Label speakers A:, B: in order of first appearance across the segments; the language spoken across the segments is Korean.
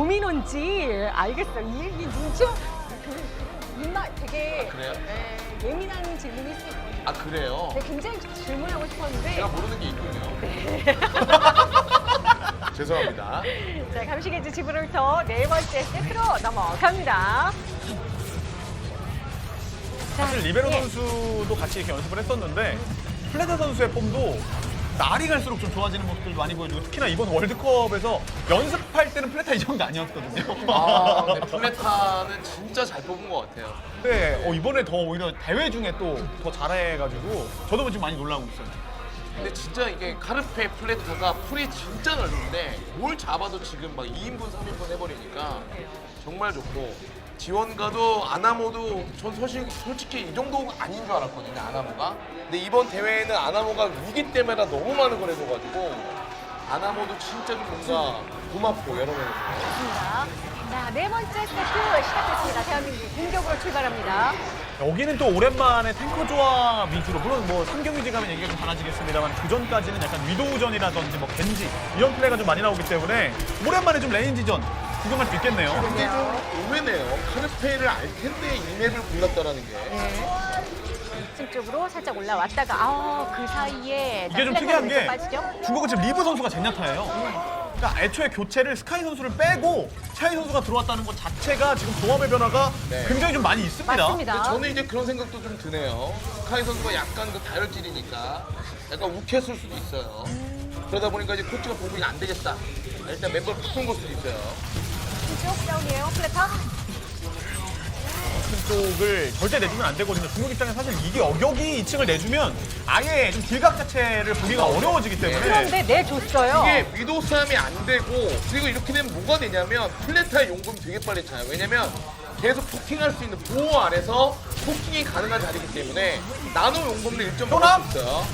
A: 도미노인지 알겠어요. 이 눈치 입맛 되게
B: 그래요?
A: 예민한 질문일 수 있거든요.
B: 아 그래요?
A: 네, 굉장히 질문하고 싶었는데
B: 제가 모르는 게 있군요. 죄송합니다.
A: 자, 감시게지 지브롤터 네 번째 세트로 넘어갑니다. 자,
C: 사실 리베로
A: 예.
C: 선수도 같이 이렇게 연습을 했었는데 플레타 선수의 폼도 날이 갈수록 좀 좋아지는 모습들도 많이 보여주고 특히나 이번 월드컵에서 연습할 때는 플레타 이 정도 아니었거든요.
B: 아, 근데 플레타는 진짜 잘 뽑은 것 같아요.
C: 네, 이번에 더 오히려 대회 중에 또 더 잘해가지고 저도 지금 많이 놀라고 있어요.
B: 근데 진짜 이게 카르페 플레타가 풀이 진짜 넓은데 뭘 잡아도 지금 막 2인분, 3인분 해버리니까 정말 좋고 지원가도 아나모도 전 솔직히 이 정도 아닌 줄 알았거든요, 아나모가. 근데 이번 대회에는 아나모가 위기 때마다 너무 많은 걸 해줘가지고 아나모도 진짜 좀 뭔가 고맙고 여러 면에서.
A: 좋습니다. 자, 네 번째 세트 시작됐습니다. 대한민국 공격으로 출발합니다.
C: 여기는 또 오랜만에 탱커 조합 위주로 물론 뭐 3경기제 가면 얘기가 좀 달라지겠습니다만 그 전까지는 약간 위도우전이라든지 뭐 겐지 이런 플레이가 좀 많이 나오기 때문에 오랜만에 좀 레인지전 구경할 수 있겠네요.
B: 근데 좀 의외네요. 카르페를 알 텐데 이 맵을 골랐다라는 게.
A: 네. 2층 쪽으로 살짝 올라왔다가 그 사이에
C: 이게 좀 특이한 게
A: 빠지죠?
C: 중국은 지금 리브 선수가 젠야타예요. 그러니까 애초에 교체를 스카이 선수를 빼고 샤이 선수가 들어왔다는 것 자체가 지금 조합의 변화가
B: 네.
C: 굉장히 좀 많이 있습니다.
A: 맞습니다.
B: 근데 저는 이제 그런 생각도 좀 드네요. 스카이 선수가 약간 그 다혈질이니까 약간 욱했을 수도 있어요. 그러다 보니까 이제 코치가 공격이 안 되겠다. 일단 멤버를 바꾼 걸 수도 있어요.
A: 쪽 다운이에요, 플레타.
C: 쪽을 절대 내주면 안 되거든요. 중국 입장에 사실 이게 여기 2층을 내주면 아예 좀 딜각 자체를 보기가 어려워지기 때문에
A: 그런데 내줬어요.
B: 이게 위도 싸움이 안 되고 그리고 이렇게 되면 뭐가 되냐면 플레타의 용금이 되게 빨리 차요. 왜냐면 계속 포킹할 수 있는 보호 안에서 포킹이 가능한 자리이기 때문에 나노 용금도 1점
C: 효남?
B: 먹을 수 있어요.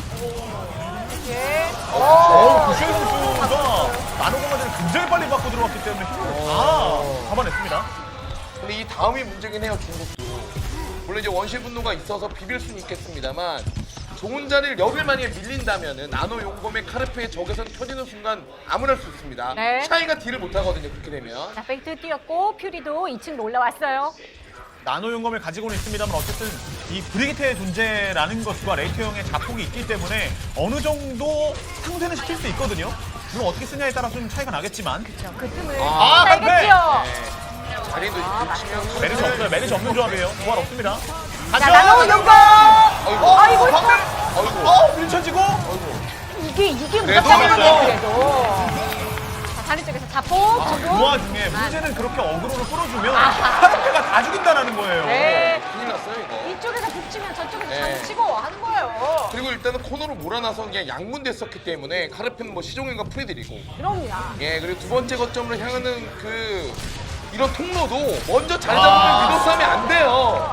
A: 예.
C: 구슈의 선수가 나노 공간을 굉장히 빨리 받고 들어왔기 때문에 힘을 다 잡아냈습니다.
B: 근데 이 다음이 문제긴 해요, 중국도. 물론 이제 원시 분노가 있어서 비빌 수는 있겠습니다만 좋은 자리를 열흘 만에 밀린다면은 나노 용검의 카르페의 적외선 켜지는 순간 아무나 할 수 있습니다.
A: 네.
B: 샤이가 딜을 못 하거든요, 그렇게 되면.
A: 자, 페이트 뛰었고 퓨리도 2층으로 올라왔어요.
C: 나노 용검을 가지고는 있습니다만 어쨌든 이 브리기테의 존재라는 것과 레이트 형의 자폭이 있기 때문에 어느 정도 상쇄는 시킬 수 있거든요. 물론 어떻게 쓰냐에 따라서 좀 차이가 나겠지만
A: 그 틈을
B: 아,
A: 알겠죠?
B: 네. 자리도 붙이면
C: 메리시 없어요. 메리시 없는 조합이에요. 부활 없습니다.
A: 자, 나노 용검! 아이고,
B: 아이고.
C: 밀쳐지고
A: 이게
B: 그래도
A: 무섭다는
B: 맞아요.
A: 건데, 그래도. 자, 다른 쪽에서 자폭
C: 그
A: 주고.
C: 와중에 문제는 그렇게 어그로를 끌어주면 카르페가 다 죽인다는 거예요.
A: 네.
B: 큰일 났어요, 이거.
A: 이쪽에서 북치면 저쪽에서
B: 네.
A: 장치고 하는 거예요.
B: 그리고 일단은 코너로 몰아나서 그냥 양분됐었기 때문에 카르페는 뭐 시종일과 프리들이고.
A: 그럼요.
B: 예, 그리고 두 번째 거점으로 향하는 이런 통로도 먼저 잘 잡으면 위도 싸움이 안 돼요.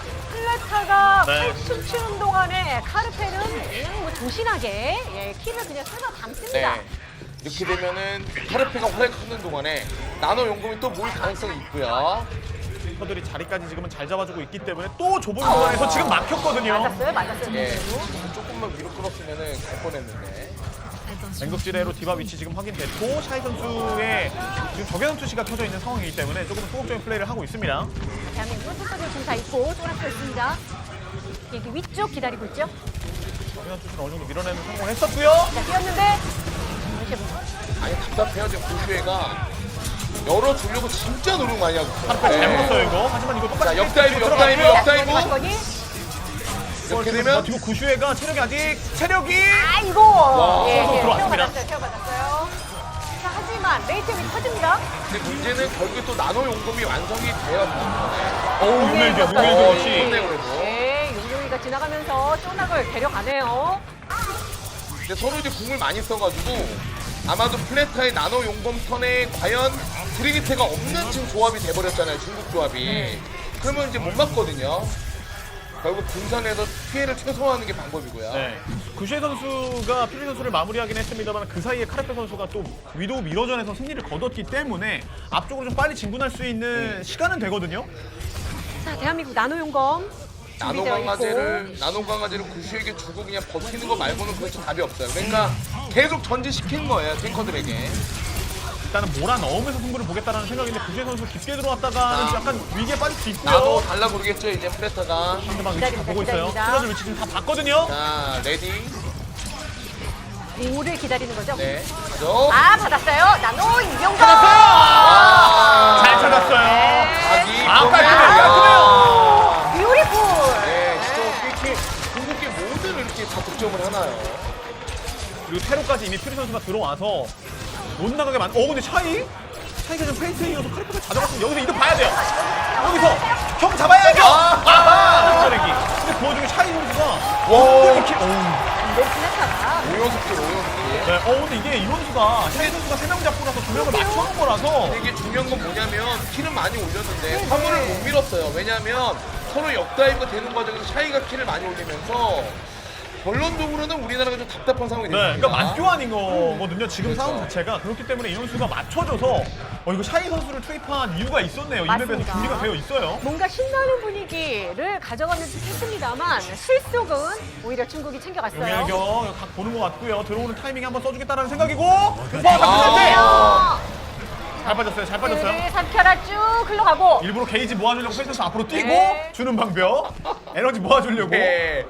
A: 플레타가
C: 네.
A: 팔춤 추는 동안에 카르페는 그냥 뭐 조신하게 킬을 그냥 쓸어 담습니다.
B: 네. 이렇게 되면은 카르페가 활약하는 동안에 나노 용금이 또 모일 가능성이 있고요.
C: 멤버들이 자리까지 지금은 잘 잡아주고 있기 때문에 또 좁은 공간에서 지금 막혔거든요.
A: 맞았어요.
B: 예.
A: 문제로.
B: 조금만 위로 끌었으면은 갈 뻔했는데.
C: 맹극지대로 디바 위치 지금 확인됐고 샤이 선수의 지금 적외선 투시가 켜져 있는 상황이기 때문에 조금 소극적인 플레이를 하고 있습니다.
A: 대한민국은 투석을 좀다 있고 쏘라쳐 있습니다. 여기 위쪽 기다리고 있죠.
C: 적외선 투시를 어느 정도 밀어내는 성공을 했었고요.
A: 자, 뛰었는데 이렇게
B: 아니 답답해요 지금 고슈에가 열어주려고 진짜 노력 많이 하고 있어요.
C: 카르페 잘 먹었어요 이거. 하지만 이거
B: 자
C: 똑같이
B: 역다이브
C: 들어가고요.
B: 역다이브 이렇게 되면
C: 지금 구슈에가 체력이 아직 체력이
A: 아이고.
B: 와,
C: 들어왔습니다.
A: 태워받았어요. 자, 하지만 레이트이 터집니다.
B: 근데 문제는 결국에 또 나노 용금이 완성이 돼요.
C: 어우 유멜드
B: 어,
C: 없이
B: 좋네 그래도.
A: 네, 용용이가 지나가면서 쪼낙을 데려가네요.
B: 근데 서로 이제 궁을 많이 써가지고 아마도 플레타의 나노 용검 턴에 과연 브리기테가 없는 지금 조합이 돼버렸잖아요. 중국 조합이. 그러면 이제 못 맞거든요. 결국 분산해서 피해를 최소화하는 게 방법이고요.
C: 네. 구슈에 선수가 퓨리 선수를 마무리하긴 했습니다만 그 사이에 카르페 선수가 또 위도우 미러전에서 승리를 거뒀기 때문에 앞쪽으로 좀 빨리 진군할 수 있는 시간은 되거든요.
A: 자, 대한민국 나노용검
B: 나노
A: 준비되어
B: 강아지를 구슈에게 주고 그냥 버티는 거 말고는 그렇게 답이 없어요. 그러니까 계속 전진시키는 거예요, 탱커들에게.
C: 일단은 몰아넣으면서 승부를 보겠다라는 생각인데 구주혜 선수 깊게 들어왔다가는 좀 약간 위기에 빠질 수 있고요.
B: 나도 달라 모르겠죠 이제 플레타가.
C: 상대방 위치 다 보고 있어요.
A: 기다립니다.
C: 찔러줄 위치 지금 다 봤거든요.
B: 자 레디.
A: 오를 기다리는 거죠?
B: 네. 가죠.
A: 아, 받았어요. 나노 이병헌.
B: 아,
C: 잘 찾았어요.
B: 자기.
C: 아, 깔끔해요.
A: 뷰티풀.
B: 네, 진짜 이렇게 궁극기 모든 이렇게 다 득점을 하나요?
C: 그리고 테로까지 이미 퓨리 선수가 들어와서 못 나가게 근데 차이가 좀 페인트에 이어서 카리프가 가져갔으면 여기서 이득 봐야 돼요. 여기서 형 잡아야죠. 득점내기. 근데 그 와중에 차이 선수가 이렇게
A: 이거 플레타가.
B: 오연습들 오연습들.
C: 네, 근데 이게 이 선수가 차이 선수가 3명 잡고 나서 2명을 맞춰놓은 거라서
B: 근데 이게 중요한 건 뭐냐면 키는 많이 올렸는데 화물을 못 밀었어요. 왜냐면 서로 역다이브가 되는 과정에서 차이가 키를 많이 올리면서 결론적으로는 우리나라가 좀 답답한 상황이
C: 네,
B: 됐습니다.
C: 그러니까 맞교환인 거거든요. 지금
B: 그렇죠.
C: 상황 자체가 그렇기 때문에 이 선수가 맞춰줘서 이거 샤이 선수를 투입한 이유가 있었네요. 이 맵에서
A: 맞습니다.
C: 준비가 되어 있어요.
A: 뭔가 신나는 분위기를 가져가는 듯 했습니다만 실속은 오히려 중국이 챙겨갔어요.
C: 여기 각 보는 것 같고요. 들어오는 타이밍에 한번 써주겠다는 생각이고 금방 잡혔는데 잘 빠졌어요. 잘 빠졌어요.
A: 네, 3켜라 쭉 흘러가고.
C: 일부러 게이지 모아주려고 페이스에서 앞으로 뛰고
A: 네.
C: 주는 방벽 에너지 모아주려고
B: 네.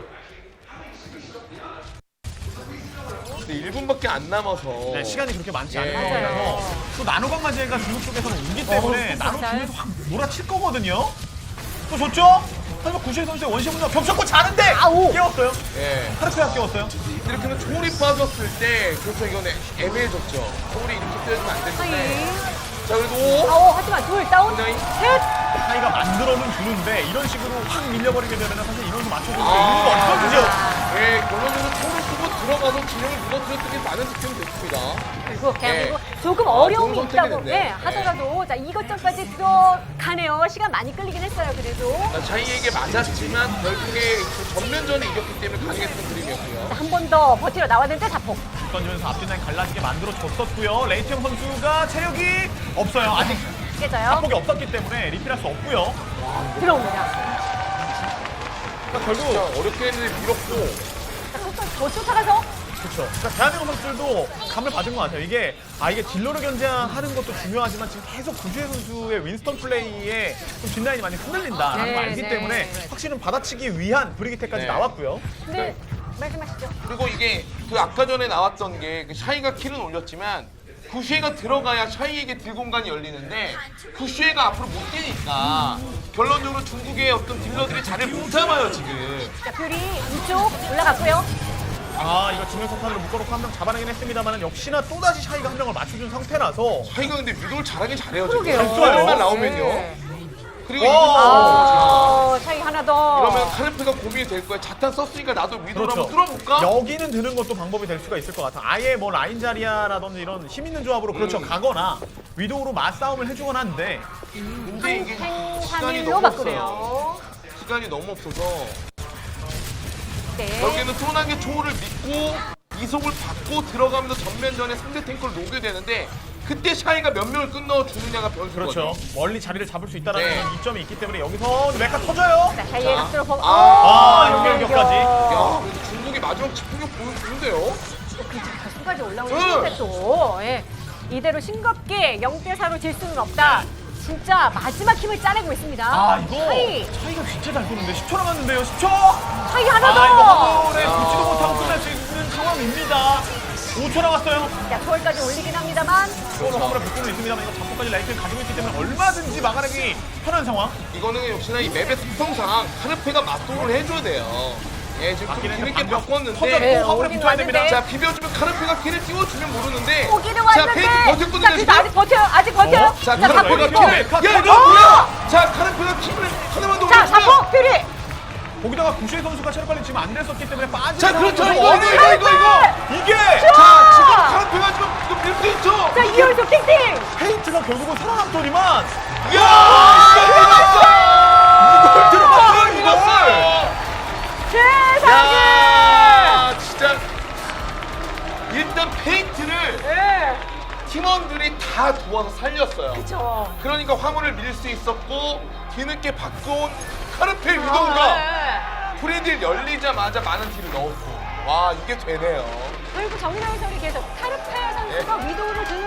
B: 근데 1분밖에 안 남아서
C: 네, 시간이 그렇게 많지 않은
B: 예.
C: 상황이라서 또 나노강 마제가 중국 쪽에서는 오기 때문에 나노
A: 맞아요.
C: 중에서 확 몰아칠 거거든요. 또 좋죠? 하지만 구시혜 선수의 원시 분석 겹쳤고 자는데
A: 아우.
C: 깨웠어요.
B: 예.
C: 하르페가 깨웠어요.
B: 이렇게 하면 초월이 빠졌을 때 그래서 이건 애매해졌죠. 초월이 이렇게 뛰어주면 안 되는데
A: 하이.
B: 자 그래도
A: 하지만 둘 다운.
B: 굉장히
A: 셋.
C: 차이가 만들어는 주는데 이런 식으로 확 밀려버리게 되면 사실 이런 수 맞춰주는 게
B: 아.
C: 의미가 없거든요.
B: 예, 결론적으로 초를 쓰고 들어가서 진영을 무너뜨렸던 게 많은 득점이 됐습니다.
A: 그리고 그냥
B: 예.
A: 그리고 조금 어려움이
B: 좋은
A: 있다고
B: 선택이 됐네.
A: 하더라도 자 이것저것까지 들어가네요. 시간 많이 끌리긴 했어요. 그래도
B: 차이에게 맞았지만 결국에 그 전면전에 이겼기 때문에 가능했던 그림이었고요.
A: 한 번 더 버티러 나왔는데 자폭.
C: 던지면서 앞뒤 라인 갈라지게 만들어줬었고요. 레이팅 선수가 체력이 없어요. 아직
A: 깨져요.
C: 자폭이 없었기 때문에 리필할 수 없고요.
A: 들어옵니다.
C: 그러니까
B: 진짜
C: 결국
B: 어렵게 했는데 밀었고
A: 자, 더 쫓아가서
C: 그렇죠. 그러니까 대한민국 선수들도 감을 받은 것 같아요. 이게 딜러를 견제하는 것도 중요하지만 지금 계속 구주혜 선수의 윈스턴 플레이에 좀 뒷라인이 많이 흔들린다라는
A: 네,
C: 걸 알기
A: 네.
C: 때문에 확실히 받아치기 위한 브리기테까지
B: 네.
C: 나왔고요.
A: 근데 말씀하시죠.
B: 그리고 이게 그 아까 전에 나왔던 게 그 샤이가 킬은 올렸지만 구슈에가 들어가야 샤이에게 딜 공간이 열리는데 구슈에가 앞으로 못 뛰니까 결론적으로 중국의 어떤 딜러들이 자리를 못 잡아요 지금.
A: 자 뷰리 이쪽 올라갔고요.
C: 이거 지명석판으로 묶어놓고 한 명 잡아내긴 했습니다만 역시나 또다시 샤이가 한 명을 맞춰준 상태라서
B: 샤이가 근데 위도를 잘하긴 잘해요
A: 그러게요.
B: 지금. 만 나오면요.
A: 네.
B: 그리고 이분
A: 차이 하나 더.
B: 그러면 카르페가 고민이 될 거야. 자탄 썼으니까 나도 위도를
C: 그렇죠.
B: 한번 뚫어볼까?
C: 여기는 드는 것도 방법이 될 수가 있을 것 같아. 아예 뭐 라인 자리아라든지 이런 힘 있는 조합으로 그렇죠 가거나 위도우로 맞싸움을 해주거나 하는데
B: 근데 이게 시간이
A: 한산일로
B: 너무 없어요.
A: 바꾸네요.
B: 시간이 너무 없어서
A: 네.
B: 결국에는 소나게 초월을 믿고 이속을 받고 들어가면서 전면전에 상대 탱크를 녹여야 되는데 그때 샤이가 몇 명을 끊어주느냐가 변수거든요.
C: 그렇죠. 멀리 자리를 잡을 수 있다는
B: 네.
C: 이점이 있기 때문에 여기서 메카 터져요.
A: 자 샤이의 각도로 보고.
C: 연결까지.
B: 야, 그래도 중국이 마지막 집중력 보여주는데요.
A: 결승까지 올라오는
B: 응.
A: 건데 또 예. 이대로 싱겁게 0대4로 질 수는 없다. 진짜 마지막 힘을 짜내고 있습니다.
C: 이거
A: 차이.
C: 차이가 진짜 잘 쏘는데 10초 남았는데요. 10초.
A: 차이 하나 더.
C: 이거 화물에 붙지도 못하고 끝날 수 있는 상황입니다. 5초 남았어요.
A: 자 초월까지 올리긴 합니다만.
C: 이거는 화물에 붙고는 있습니다만 이거 잡고까지 라이트를 가지고 있기 때문에 얼마든지 막아내기 편한 상황.
B: 이거는 역시나 이 맵의 특성상 카르페가 맞도를 해줘야 돼요. 예, 지금 좀
C: 맞긴
B: 뒤늦게
C: 했는데
B: 바꿨는데
A: 네,
C: 터졌고 화물에
A: 오긴
C: 붙어야 됩니다.
A: 왔는데.
B: 자 비벼주면 카르페가 키를 띄워주면 모르는데
A: 오기는
B: 자
A: 왔는데.
B: 페이지
A: 자
B: 버텼거든요
A: 그래도
B: 지금.
A: 아직 버텨요. 아직 버텨요.
B: 자
C: 그럼
B: 카르페가
C: 왜
B: 키를
C: 이렇게
B: 야 이거
A: 어!
B: 뭐야? 자 카르페가 키를 하나만 더
A: 자
B: 올려주면
A: 자폭 퓨리.
C: 거기다가 구시혜 선수가 체력 관리 지금 안 됐었기 때문에 빠지는
B: 자 그렇죠
C: 상황에서
B: 이거
C: 이게
B: 자 지금 카르페가 지금 이거 밀수 있죠.
A: 자 이연속 킹팅.
C: 페인트가 결국은 살아남더니만
B: 야
C: 이걸 들어갔어요 이걸.
A: 세상에.
B: 야 진짜 일단 페인트를
A: 예.
B: 팀원들이 다 도와서 살렸어요.
A: 그렇죠.
B: 그러니까 화물을 밀 수 있었고 뒤늦게 바꿔온 카르페 위도우가
A: 네.
B: 프리딜 열리자마자 많은 딜을 넣었고 와 이게 되네요.
A: 그리고 정민아 해설이 계속 카르페 선수가 위도우를 드는 게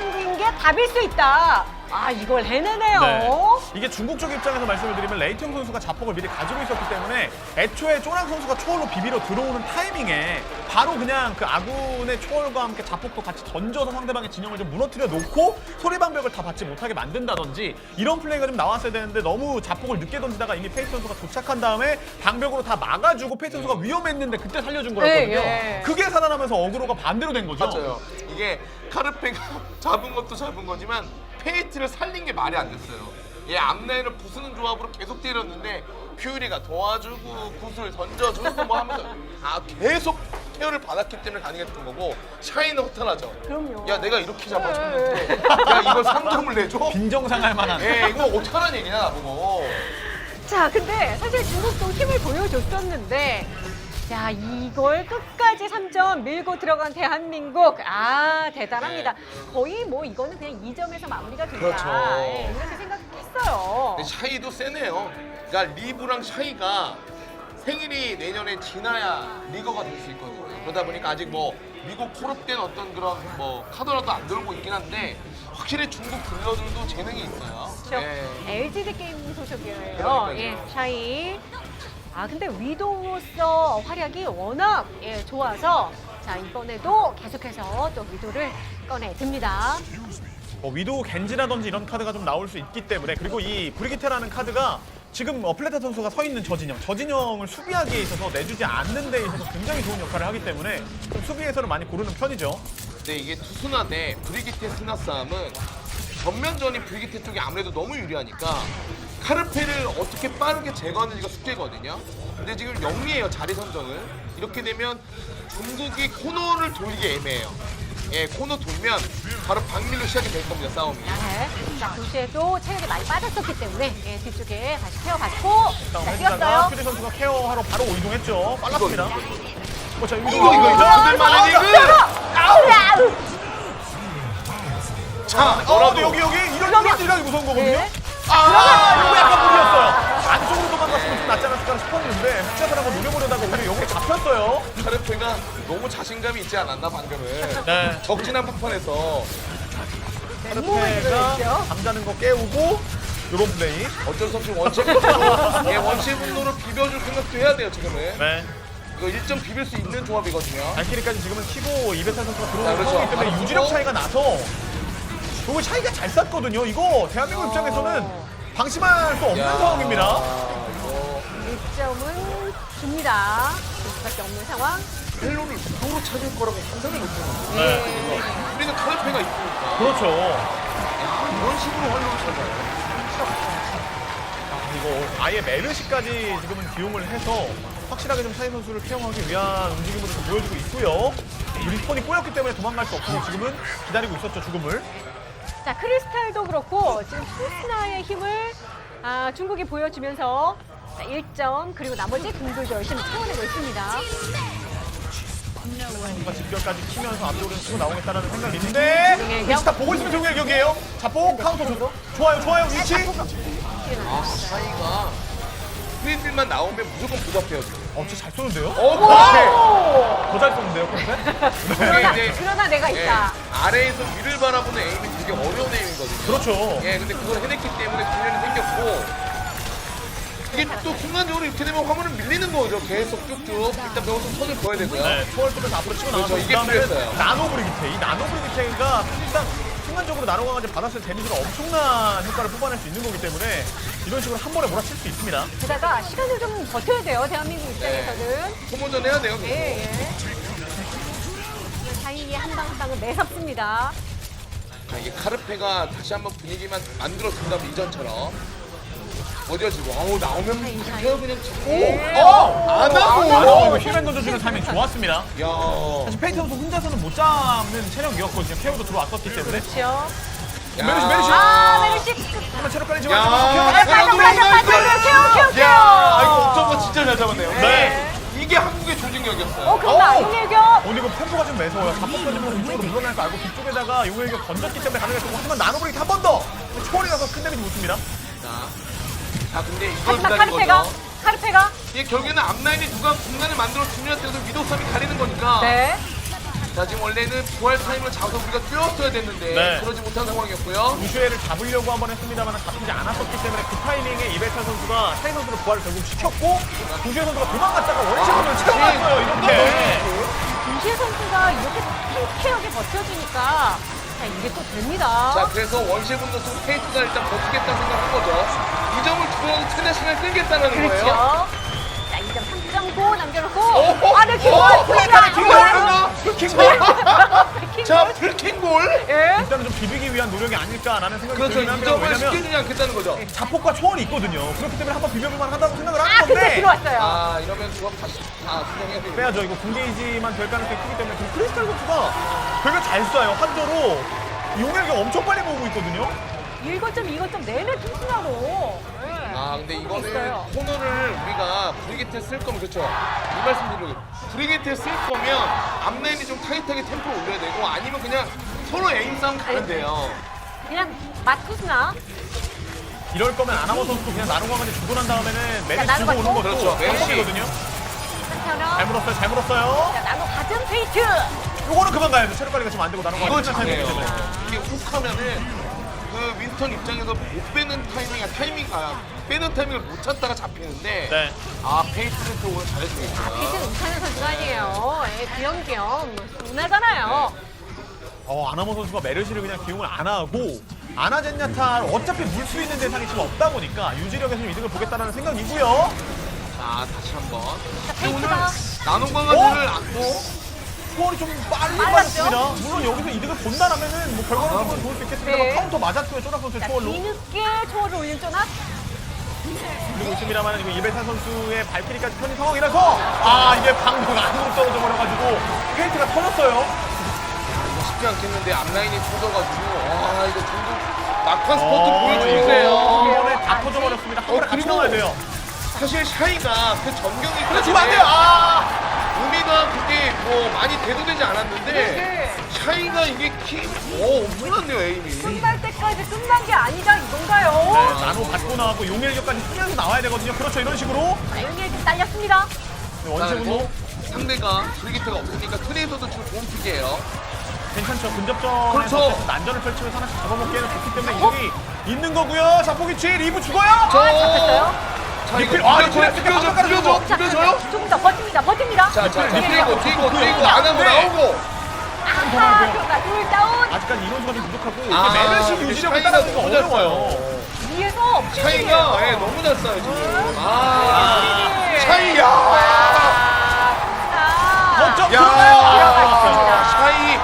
A: 답일 수 있다. 아, 이걸 해내네요.
C: 네. 이게 중국 쪽 입장에서 말씀을 드리면 레이팅 선수가 자폭을 미리 가지고 있었기 때문에 애초에 쪼랑 선수가 초월로 비비러 들어오는 타이밍에 바로 그냥 그 아군의 초월과 함께 자폭도 같이 던져서 상대방의 진영을 좀 무너뜨려 놓고 소리방벽을 다 받지 못하게 만든다든지 이런 플레이가 좀 나왔어야 되는데 너무 자폭을 늦게 던지다가 이미 페이스 선수가 도착한 다음에 방벽으로 다 막아주고 페이스 선수가 위험했는데 그때 살려준 거였거든요.
A: 예.
C: 그게 살아나면서 어그로가 반대로 된 거죠.
B: 맞아요. 이게 카르페가 잡은 것도 잡은 거지만 페이트를 살린 게 말이 안 됐어요. 얘 앞라인을 부수는 조합으로 계속 때렸는데 퓨리가 도와주고 구슬 던져주고 뭐 하면서 계속 케어를 받았기 때문에 가능했던 거고 샤이는 허탈하죠.
A: 그럼요.
B: 야 내가 이렇게 잡아줬는데 야 이걸 3점을 내줘?
C: 빈정상할 만한.
B: 이거 어떡하라는 얘기냐 나보고.
A: 자, 근데 사실 중국도 힘을 보여줬었는데 자, 이걸 끝까지 3점 밀고 들어간 대한민국. 아, 대단합니다. 거의 뭐 이거는 그냥 2점에서 마무리가 된다.
B: 그렇죠.
A: 예, 이렇게 생각했어요.
B: 근데 샤이도 세네요. 그러니까 리브랑 샤이가 생일이 내년에 지나야 리거가 될 수 있거든요. 그러다 보니까 아직 뭐 미국 콜업된 어떤 그런 뭐 카드라도 안 들고 있긴 한데 확실히 중국 딜러들도 재능이 있어요.
A: 그렇죠.
B: 예.
A: LGD 게임 소속이에요.
B: 그러니까요.
A: 예, 샤이. 아, 근데 위도우로서 활약이 워낙 좋아서 자, 이번에도 계속해서 또 위도를 꺼내듭니다.
C: 위도우 겐지라든지 이런 카드가 좀 나올 수 있기 때문에 그리고 이 브리기테라는 카드가 지금 플레타 선수가 서 있는 저 진영을 수비하기에 있어서 내주지 않는 데 있어서 굉장히 좋은 역할을 하기 때문에 좀 수비에서는 많이 고르는 편이죠.
B: 근데 이게 투스나 대 브리기테 스나 싸움은 전면전이 브리기테 쪽이 아무래도 너무 유리하니까 카르페를 어떻게 빠르게 제거하는지가 숙제거든요. 근데 지금 영리해요, 자리 선정을. 이렇게 되면 중국이 코너를 돌리기 애매해요. 예, 코너 돌면 바로 박밀로 시작이 될 겁니다, 싸움이.
A: 네. 자, 도시에도 체력이 많이 빠졌었기 때문에 뒤쪽에 다시 케어받고 자,
C: 회사가
A: 뛰었어요.
C: 퓨리 선수가 케어하러 바로 이동했죠. 빨랐습니다. 자,
B: 이거 들만한 이거!
A: 아우!
B: 자,
C: 근데
B: 너라도
C: 여기 이런 딜량이 무서운 거거든요.
A: 네.
C: 이거 약간 무리였어요. 안쪽으로 도망갔으면 좀 낫지 않았을까 싶었는데 숫자들 한번 노려보려다가 오히려 여기 잡혔어요.
B: 카르페가 너무 자신감이 있지 않았나, 방금은.
C: 네.
B: 적진한 판판에서
A: 몸을
C: 카르페가
A: 들어있죠.
C: 잠자는 거 깨우고 요런 플레이.
B: 어쩔 수 없이 원시 분노로, 원시 분노로 비벼줄 생각도 해야 돼요, 지금은.
C: 네.
B: 이거 1점 비빌 수 있는 조합이거든요.
C: 발키리까지 지금은 키고 이베타 선수가
B: 자,
C: 들어오는
B: 그렇죠.
C: 상황이기 때문에
B: 바로
C: 유지력
B: 보고.
C: 차이가 나서 그리고 차이가 잘 쌌거든요. 이거 대한민국 입장에서는 방심할 수 없는
B: 야,
C: 상황입니다.
B: 이거
A: 1점은 줍니다. 줄 수밖에 없는 상황.
B: 헬로를 무도로 찾을 거라고 상상을 못했는데.
C: 네.
B: 우리는 카르페가 있으니까.
C: 그렇죠.
B: 이런 식으로 헬로를 찾아요.
C: 이거 아예 메르시까지 지금은 기용을 해서 확실하게 좀 샤이 선수를 케어하기 위한 움직임으로 좀 보여주고 있고요. 리스폰이 꼬였기 때문에 도망갈 수 없고 지금은 기다리고 있었죠, 죽음을.
A: 자, 크리스탈도 그렇고 지금 투스나의 힘을 중국이 보여주면서 자, 1점 그리고 나머지 궁들도 열심히 채워내고 있습니다.
C: 뭔가 집결까지 키면서 앞쪽으로 치고 나오겠다는 생각이 있는데
A: 정혜경.
C: 위치 다 보고 있으면 정혜경이에요. 자폭 카운터 좋아요 위치.
B: 샤이가 프리딜만 나오면 무조건 부잡해요, 지금.
C: 진짜 잘 쏘는데요?
B: 카르페!
C: 더 잘 쏘는데요, 그런데?
A: 그러나 내가
B: 예,
A: 있다.
B: 아래에서 위를 바라보는 에임이 되게 어려운 에임이거든요.
C: 그렇죠.
B: 예, 근데 그걸 해냈기 때문에 분열이 생겼고 이게 또 순간적으로 이렇게 되면 화면을 밀리는 거죠. 계속 쭉쭉. 일단 명성 선을 보여야 되고요.
C: 네, 초월 쪽에서 앞으로 치고 나와서
B: 그렇죠, 이게 필요했어요.
C: 나노 브리기테. 이 나노 브리기테가 사실상 순간적으로 나노 강아지 받았을 데미지로 엄청난 효과를 뽑아낼 수 있는 거기 때문에 이런 식으로 한 번에 몰아칠 수 있습니다.
A: 게다가 시간을 좀 버텨야 돼요. 대한민국 입장에서는.
B: 소모전 해야 돼요. 계속.
A: 예, 예. 샤이의 한 방 한 방은 매섭습니다.
B: 자, 이게 카르페가 다시 한번 분위기만 만들어준다면 이전처럼 어디가지고 나오면 그냥 그냥 치고
A: 네.
B: 안 하고
C: 이거 힐맨 던져주는 타이밍 좋았습니다.
B: 야
C: 사실 페이트 선수 혼자서는 못 잡는 체력이었거든요. 케어도 들어왔었기 때문에.
A: 그렇죠.
C: 메르시.
A: 메르시.
C: 한번 체력 깔리지
B: 야,
C: 말고.
A: 케어.
B: 야, 이거 옥점거 진짜 잘 잡았네요.
C: 네.
B: 이게 한국의 조직력이었어요.
A: 그럼 나용일격.
C: 근데 이거 템포가 좀 매서워요. 자폭 던지면 이쪽으로 물러날 거 알고 뒤쪽에다가 용일격 던졌기 때문에 가능했고 하지만 나노브리기 한 번 더! 초월이 나서 큰 데미지 못 줍니다.
B: 자, 근데 이걸
A: 하지만
B: 기다린 거죠.
A: 카르페가.
B: 이게 결국에는 앞라인에 누가 공간을 만들어 주느냐에 따라서 위도우 싸움이 가리는 거니까.
A: 네.
B: 자, 지금 원래는 부활 타임을 잡아서 우리가 뛰었어야 됐는데
C: 네.
B: 그러지 못한 상황이었고요.
C: 우슈에를 잡으려고 한번 했습니다만 잡히지 않았었기 때문에 그 타이밍에 이베타 선수가 샤이 선수를 부활을 결국 시켰고 우슈에 선수가 도망갔다가 원심으로 채워놨어요. 이렇게.
A: 김시혜 선수가 이렇게 탱키하게 버텨주니까 자, 이게 또 됩니다.
B: 자, 그래서 원시의 분노 속 페이트가 일단 버티겠다 생각한 거죠. 이 점을 주고 최대 시간을 끌겠다는 거예요.
A: 그렇죠. 자, 2점 3점고 남겨놓고
B: 오!
A: 아래 킥볼
B: 오!
A: 불이야.
B: 불킹볼! 자, 불킹볼!
A: 예.
C: 일단은 좀 비비기 위한 노력이 아닐까라는 생각이
B: 그렇죠.
C: 들긴
B: 이
C: 합니다.
B: 점을
C: 왜냐면
B: 시켜주지 않겠다는 거죠.
C: 자폭과 초월이 있거든요. 그렇기 때문에 한번 비벼볼만 하다고 생각을
A: 아,
C: 하는
A: 근데
C: 건데
A: 들어왔어요.
B: 아, 이러면 조합 다시 수정해야 되겠네.
C: 빼야죠. 이거 군게이지만 될 가능성이 크기 때문에 지금 크리스탈 선수가 되게 잘 쏴요. 한조로 용액이 엄청 빨리 모으고 있거든요.
A: 1거점 내내 투수나로.
B: 아, 근데 이거는
A: 있어요.
B: 코너를 우리가 브리게트에 쓸 거면 그렇죠. 이 말씀 드리려고 브리게트에 쓸 거면 앞라인이 좀 타이트하게 템포를 올려야 되고 아니면 그냥 서로 에임 싸움 가면 돼요.
A: 그냥 맞투수나.
C: 이럴 거면 아나모 선수도 그냥 나노광까지 주고 난 다음에는 메리
A: 나노
C: 주고 오는
A: 받고.
C: 것도
B: 그렇죠. 메르시.
C: 방법이거든요.
A: 한편은
C: 잘 물었어요. 잘 물었어요.
A: 자, 나노 가든 페이트.
C: 요거는 그만 가야 돼. 체력 관리가 지금 안 되고 나노광
B: 이거 잘해요. 이게 훅 하면은 그 윈스턴 입장에서 못 빼는 빼는 타이밍을 못 찾다가 잡히는데
C: 네.
B: 아, 페이트는 또 오늘 잘해주겠구나.
A: 페이트는 이찬현 선수가 아니에요. 예, 귀염귀염. 순하잖아요.
C: 아나모 선수가 메르시를 그냥 기용을 안 하고 아나젠야타 어차피 물 수 있는 대상이 지금 없다 보니까 유지력에서 좀 이득을 보겠다는 생각이고요.
B: 자, 다시 한번.
A: 자,
B: 근데 오늘
A: 페이트가
B: 나눔광화들을 안고
C: 스코어이 좀 빨리
A: 빨랐죠?
C: 빠졌습니다. 물론 여기서 이득을 본다라면은 뭐 결과는 좋을 수 있겠습니다만
A: 네.
C: 카운터 맞았고요. 쪼락 선수의
A: 자,
C: 초월로.
A: 뒤늦게 초월을 올린 쪼낙.
C: 그리고 있습니다만 지금 이베타 선수의 발키리까지 편인 상황이라서 이게 방금 안으로 떨어져 버려가지고 페인트가 터졌어요.
B: 쉽지 않겠는데 앞라인이 터져가지고 와, 이거 중국 막판 스포트 보여주세요.
C: 이번에 다 터져버렸습니다. 한 번에 같이
B: 그리고
C: 나와야 돼요.
B: 사실 샤이가 그 전경기까지
C: 그래 주면 안 돼요.
B: 우미가 그게 뭐 많이 대두되지 않았는데
A: 네.
B: 샤이가 이게 엄청났네요, 에임이.
A: 끝날 때까지 끝난 게 아니다 이건가요?
C: 네, 나노 받고 나왔고 용일력까지 쓰면서 나와야 되거든요. 그렇죠. 이런 식으로.
A: 자, 여기에 좀 딸렸습니다.
C: 네, 원심으로
B: 상대가 브리기트가 없으니까 트레이서도 지금 좋은 픽이에요.
C: 괜찮죠. 근접전에서
B: 그렇죠.
C: 어쨌든 난전을 펼치면서 하나씩 잡아먹기에는 좋기 때문에 이득이 있는 거고요. 자폭이치 리브 죽어요.
A: 잡혔어요.
B: 자, 이거
C: 리필,
B: 비벼줘요?
A: 자, 조금 더 버팁니다.
B: 자,
C: 리필,
B: 뒤고 안 하고
C: 네.
B: 나오고.
A: 아하, 그러니까 둘 다운.
C: 아직까지 이론수가 좀 부족하고 이게
B: 아,
C: 메르시
B: 근데
C: 유지력을
B: 샤이가
C: 따라가기가
B: 너무 잘
C: 어려워요.
A: 위에서
B: 샤이가 너무 잘 쏴요, 지금. 샤이야.
C: 거점
B: 야,
C: 들어가요.
B: 샤이.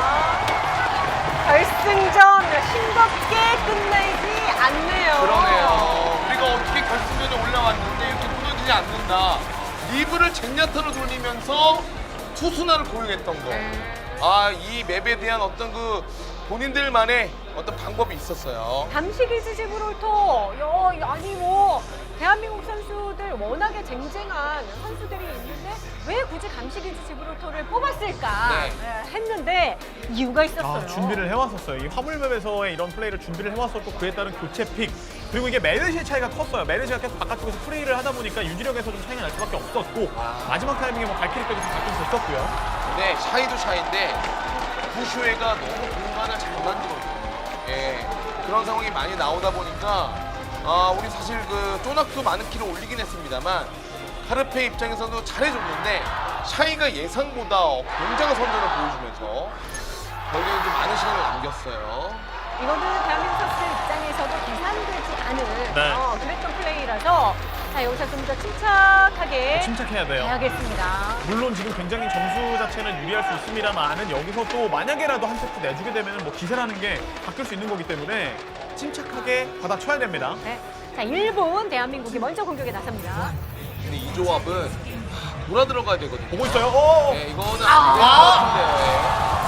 A: 결승전 싱겁게 끝내지 않네요.
B: 그러네요. 우리가 어떻게 결승전에 올라왔는데 이렇게 무너지지 않는다. 리브를 젠야타로 돌리면서 투수나를 고용했던 거. 이 맵에 대한 어떤 그 본인들만의 어떤 방법이 있었어요.
A: 담시기즈 지브롤터, 아니 뭐 대한민국 선수들 워낙에 쟁쟁한 선수들이 있는데 왜 굳이 감시기즈 지브롤터를 뽑았을까
B: 네.
A: 했는데 이유가 있었어요.
C: 준비를 해왔었어요. 이 화물맵에서의 이런 플레이를 준비를 해왔었고 그에 따른 교체 픽 그리고 이게 메르시의 차이가 컸어요. 메르시가 계속 바깥쪽에서 플레이를 하다 보니까 유지력에서 좀 차이가 날 수밖에 없었고 마지막 타이밍에 뭐 발키리까지 좀 바뀌면 됐었고요.
B: 근데 샤이도 샤이인데 부슈에가 너무 공간을 잘 만들어요. 예, 그런 상황이 많이 나오다 보니까 우리 사실 그 쪼낙도 많은 키를 올리긴 했습니다만 카르페 입장에서도 잘해줬는데 샤이가 예상보다 굉장한 선전을 보여주면서 결국엔 좀 많은 시간을 남겼어요.
A: 이거는 대한민국 선수들 입장에서도 계산되지 않은
C: 네.
A: 그랬던 플레이라서 자, 여기서 좀 더 침착하게
C: 침착해야 돼요.
A: 해야겠습니다.
C: 물론 지금 굉장히 점수 자체는 유리할 수 있습니다만은 여기서 또 만약에라도 한 세트 내주게 되면 뭐 기세라는 게 바뀔 수 있는 거기 때문에 침착하게 받아쳐야 됩니다.
A: 네. 자, 1분 대한민국이 먼저 공격에 나섭니다.
B: 근데 이 조합은 돌아 들어가야 되거든요.
C: 보고 있어요.
B: 네, 이거는 안 될 것 같은데요.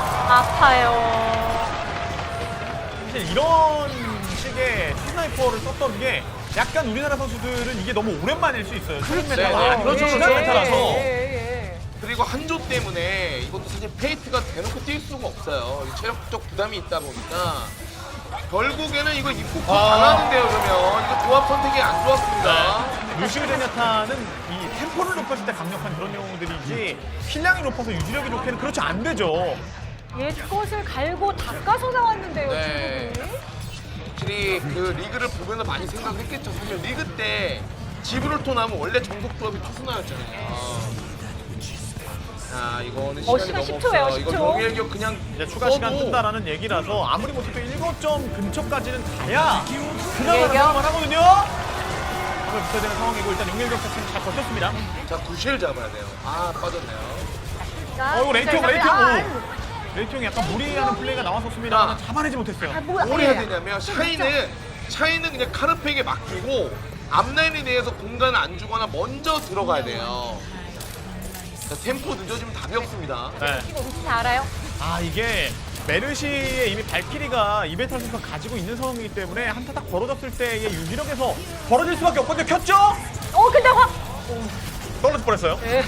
A: 아파요.
C: 사실 이런 식의 스나이퍼를 썼던 게 약간 우리나라 선수들은 이게 너무 오랜만일 수 있어요. 최근
B: 네,
C: 메타가
B: 네.
C: 아니고
B: 그렇죠,
C: 지난
B: 그렇죠.
C: 메타라서.
B: 그리고 한조 때문에 이것도 사실 페이트가 대놓고 뛸 수가 없어요. 체력적 부담이 있다 보니까 결국에는 이거 입국 당하는데요. 그러면 이거 조합 선택이 안 좋았습니다.
C: 루시우 제냐타는 이 템포를 높였을 때 강력한 그런 경우들이지 필량이 높아서 유지력이 좋게는 그렇지 안 되죠.
A: 옛것을 갈고 닦아서 나왔는데요,
B: 네.
A: 중국이.
B: 확실히 그 리그를 보면서 많이 생각을 했겠죠. 사실 리그 때 지브롤터 나면 원래 정석 조합이 투수나였잖아요. 자, 이거는 시간이
A: 시간
B: 너무
A: 10초예요,
B: 없어요. 이거
A: 10초.
B: 명예일격 그냥
C: 이제 추가 시간
B: 써도
C: 뜬다라는 얘기라서 아무리 못해도 7점 근처까지는 가야 그나마
A: 용일격.
C: 나올만 하거든요. 한번 붙어야 되는 상황이고 일단 용일격 자체는 잘 버텼습니다.
B: 자, 구실 잡아야 돼요. 아, 빠졌네요.
A: 자,
C: 이거 레이팅,
A: 자,
C: 레이팅.
A: 아,
C: 오. 레이팅이 약간 무리하는 플레이가 나왔었습니다. 잡아내지 못했어요.
A: 아, 뭐야.
B: 뭘 해야
A: 예.
B: 되냐면 샤이는 그냥 카르페에게 맡기고 앞라인에 대해서 공간을 안 주거나 먼저 들어가야 돼요. 자, 템포 늦어지면 답이 없습니다.
C: 네.
A: 이거 혹시 다 알아요?
C: 아 이게 메르시의 이미 발키리가 이베탈 선수가 가지고 있는 상황이기 때문에 한타 딱 벌어졌을 때의 유기력에서 벌어질 수밖에 없거든요. 켰죠?
A: 근데
C: 떨어질 뻔했어요.
A: 네.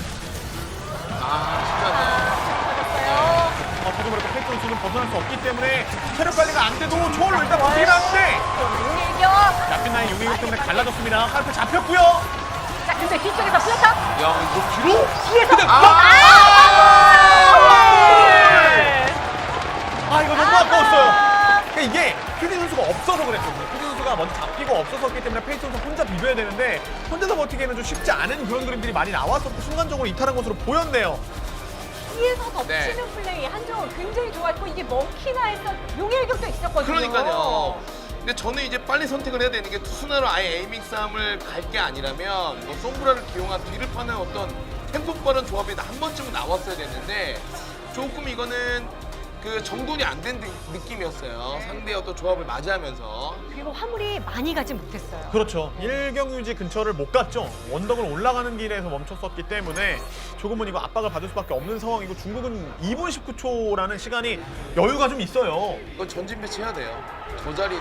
B: 아,
A: 맞았어요.
C: 저도 그렇고 페이크 선수는 벗어날 수 없기 때문에 체력 관리가 안 돼도 초월로 일단 버티긴 하는데
A: 용일격.
C: 납빈 나인 용의력 때문에 갈라졌습니다. 카르페 잡혔고요.
A: 자, 근데 뒤쪽에서 플레타.
B: 쉽지 않네. 야, 이거 뒤로?
A: 뒤에서.
C: 이거 너무 아까웠어요. 그러니까 이게 퓨리 선수가 없어서 그랬거든요. 퓨리 선수가 먼저 잡히고 없었기 때문에 페이스 선수 혼자 비벼야 되는데 혼자서 버티기에는 좀 쉽지 않은 그런 그림들이 많이 나왔었고 순간적으로 이탈한 것으로 보였네요.
A: 뒤에서 덮치는
B: 네.
A: 플레이 한정은 굉장히 좋았고 이게 먹히나 해서 용일격도 있었거든요.
B: 그러니까요. 근데 저는 이제 빨리 선택을 해야 되는 게 투수나로 아예 에이밍 싸움을 갈 게 아니라면 뭐 솜브라를 기용한 뒤를 파는 어떤 템포 빠른 조합이 한 번쯤은 나왔어야 됐는데 조금 이거는 그 정돈이 안 된 느낌이었어요. 상대의 어떤 조합을 맞이하면서.
A: 그리고 화물이 많이 가지 못했어요.
C: 그렇죠. 일경유지 근처를 못 갔죠. 원덕을 올라가는 길에서 멈췄었기 때문에 조금은 이거 압박을 받을 수밖에 없는 상황이고 중국은 2분 19초라는 시간이 여유가 좀 있어요.
B: 이건 전진 배치해야 돼요. 저 자리는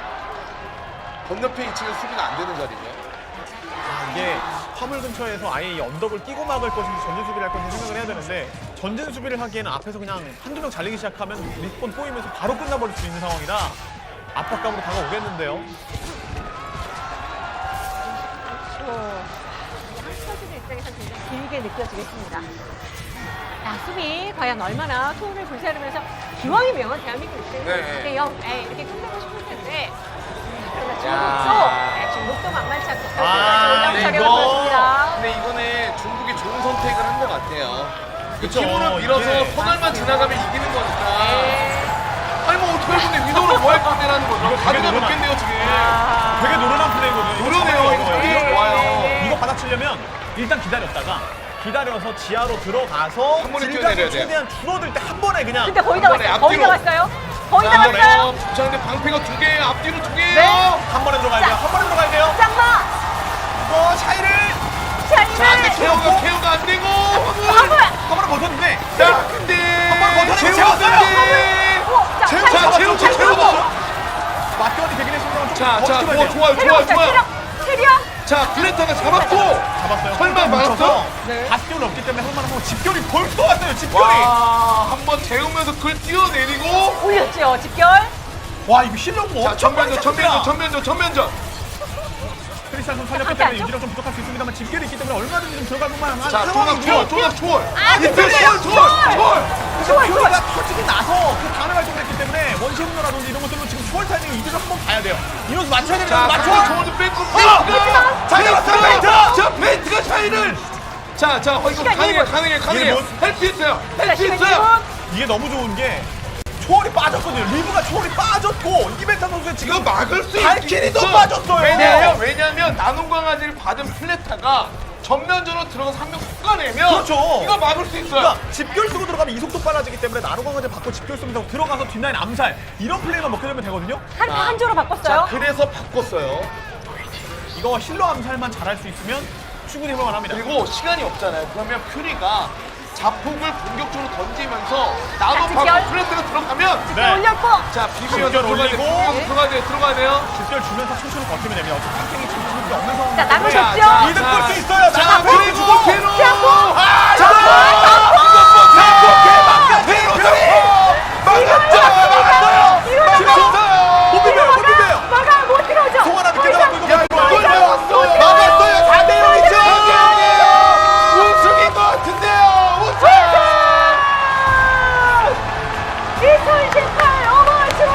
B: 건너편 2층은 수비가 안 되는 자리죠.
C: 이게 화물 근처에서 아예 이 언덕을 끼고 막을 것인지 전진 수비를 할 것인지 생각을 해야 되는데 전진 수비를 하기에는 앞에서 그냥 한두 명 잘리기 시작하면 리스폰 꼬이면서 바로 끝나버릴 수 있는 상황이라 압박감으로 다가오겠는데요.
A: 한스터즈의 입장에서 굉장히 길게 느껴지겠습니다. 자, 수비 과연 얼마나 토를 불사르면서 기왕이면 대한민국 입장에서
B: 네.
A: 2대0 이렇게 끝내고 싶을 텐데 그러나
B: 야.
A: 중국도 만만치 않고
C: 아,
A: 결승까지
B: 근데
A: 올라온 보여줍니다.
B: 근데 이거는 중국이 좋은 선택을 한 것 같아요.
C: 그쵸,
B: 힘으로 밀어서
C: 이게
B: 선알만 지나가면 이기는 거니까.
C: 네.
B: 아니 뭐 어떻게 할 건데 위도우를 뭐 할 건데라는 거죠.
C: 이거 되게
B: 가드가
C: 노련한-
B: 높겠네요 지금.
C: 되게 노련한 플레이거든요.
B: 노련해요. 이거
C: 이거
B: 되게 좋아요.
C: 이거 받아치려면 일단 기다려서 지하로 들어가서
B: 한 번에
C: 질감이
B: 뛰어내려야 돼요.
C: 최대한 줄어들 때 한 번에 그냥
A: 근데 거의 다
B: 한 번에
A: 왔어요. 거의 다
B: 앞뒤로.
A: 왔어요. 거의 다
B: 자,
A: 왔어요.
B: 자, 근데 방패가 2개, 앞뒤로 2개예요.
A: 네.
C: 한 번에 들어가야 돼요. 한 번에 들어가야 돼요.
A: 짱마
C: 차이를
B: 자, 근데
A: 샤이를
B: 케어가 안 되고.
A: 화물.
C: 한 번에 버텼는데
B: 자, 근데
C: 한번 버텨내고
B: 재웠는데. 자, 채워.
C: 맞대원이 되긴 했습니다만 좀
B: 자,
C: 버티면 돼요.
B: 좋아요.
A: 체력.
B: 자, 블레타가 잡았고.
C: 잡았어요.
B: 설마 막았어?
A: 네.
C: 바스티온 없기 때문에 할만한 집결이 벌써 왔어요. 집결이.
B: 와, 한번 재우면서 그걸 뛰어내리고.
A: 올렸죠. 집결.
C: 와 이거 힐러고
B: 자,
C: 엄청
B: 전면전.
C: 크리스찬 선수 살렸기
A: 앞에
C: 때문에
A: 앉죠?
C: 유지력 좀 부족할 수 있습니다만 집결이 있기 때문에 얼마든지 좀 들어갈 만한
B: 자,
C: 상황이고요.
B: 조각.
A: 아,
B: 이때
A: 그쪽이에요.
C: 근데 퓨리가 터지고 나서 그 다음에 발동을 했기 때문에 원시분노라든지 이런 것들로 지금 추월 타이밍 이대로 한번 봐야 돼요. 인원수 맞춰야 됩니다.
B: 자,
C: 맞춰.
B: 저거는 뺏고
C: 잘 잡았어요, 페인트!
B: 자, 페인트가 샤이를. 자, 이거
A: 시간
B: 가능해.
C: 일본.
B: 할 수 있어요.
C: 이게 너무 좋은 게 초월이 빠졌거든요. 리브가 초월이 빠졌고 이벤타 선수의
B: 이거
C: 지금
B: 막을 수
C: 발키리도
B: 있어.
C: 빠졌어요.
B: 왜냐면 나눔 강아지를 받은 플레타가 전면전으로 들어가서 한 명 쏟아내면
C: 그렇죠.
B: 이거 막을 수 있어요.
C: 그러니까 집결 쓰고 들어가면 이속도 빨라지기 때문에 나노광화제 받고 집결 쓰면서 들어가서 뒷라인 암살 이런 플레이만 먹게 되면 되거든요.
A: 한 조로
B: 자,
A: 바꿨어요.
B: 그래서 바꿨어요.
C: 이거 힐러 암살만 잘할 수 있으면 충분히 해볼만 합니다.
B: 그리고 시간이 없잖아요. 그러면 퓨리가 자폭을 본격적으로 던지면서
A: 자,
B: 나도
A: 집결.
B: 받고 플레타가 들어가면
C: 네.
A: 올렸고.
B: 자, 비비면서
C: 집결
B: 들어가야 돼.
C: 올리고.
B: 들어가야 돼요.
C: 집결 주면서 천천히 버티면 됩니다. 어차피 탱킹이 지금 수밖에 없는 상황이기
A: 자, 나노
C: 때문에
A: 졌죠?
C: 이득 볼 수 있어요.
B: 자,
C: 나노
B: 그리고
C: 주고.
B: 뒤로.
A: 자,